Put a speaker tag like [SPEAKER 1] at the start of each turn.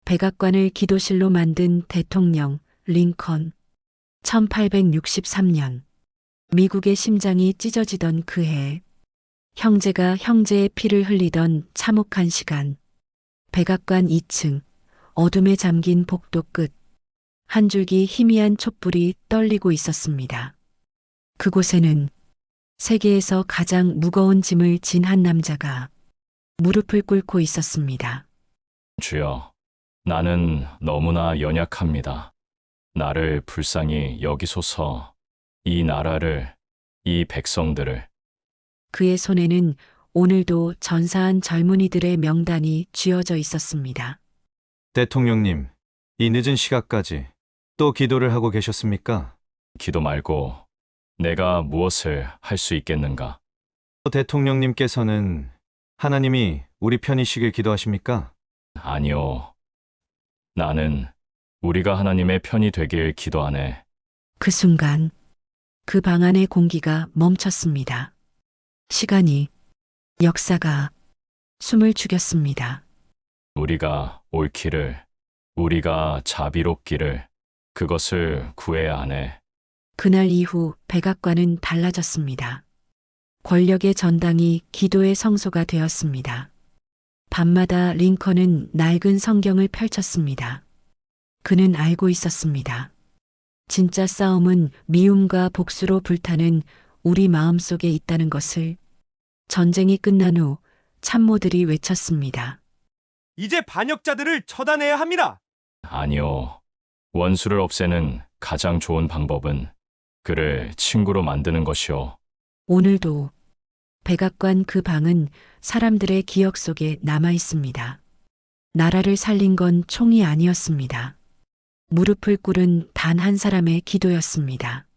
[SPEAKER 1] 백악관을 기도실로 만든 대통령 링컨. 1863년. 미국의 심장이 찢어지던 그 해. 형제가 형제의 피를 흘리던 참혹한 시간. 백악관 2층. 어둠에 잠긴 복도 끝. 한 줄기 희미한 촛불이 떨리고 있었습니다. 그곳에는 세계에서 가장 무거운 짐을 진 한 남자가 무릎을 꿇고 있었습니다.
[SPEAKER 2] 주여, 나는 너무나 연약합니다. 나를 불쌍히 여기소서. 이 나라를, 이 백성들을.
[SPEAKER 1] 그의 손에는 오늘도 전사한 젊은이들의 명단이 쥐어져 있었습니다.
[SPEAKER 3] 대통령님, 이 늦은 시각까지 또 기도를 하고 계셨습니까?
[SPEAKER 2] 기도 말고 내가 무엇을 할 수 있겠는가?
[SPEAKER 3] 대통령님께서는 하나님이 우리 편이시길 기도하십니까?
[SPEAKER 2] 아니요. 나는 우리가 하나님의 편이 되길 기도하네.
[SPEAKER 1] 그 순간 그 방 안의 공기가 멈췄습니다. 시간이, 역사가 숨을 죽였습니다.
[SPEAKER 2] 우리가 옳기를, 우리가 자비롭기를, 그것을 구해야 하네.
[SPEAKER 1] 그날 이후 백악관은 달라졌습니다. 권력의 전당이 기도의 성소가 되었습니다. 밤마다 링컨은 낡은 성경을 펼쳤습니다. 그는 알고 있었습니다. 진짜 싸움은 미움과 복수로 불타는 우리 마음 속에 있다는 것을. 전쟁이 끝난 후 참모들이 외쳤습니다.
[SPEAKER 4] 이제 반역자들을 처단해야 합니다.
[SPEAKER 2] 아니요. 원수를 없애는 가장 좋은 방법은 그를 친구로 만드는 것이요.
[SPEAKER 1] 오늘도 백악관 그 방은 사람들의 기억 속에 남아 있습니다. 나라를 살린 건 총이 아니었습니다. 무릎을 꿇은 단 한 사람의 기도였습니다.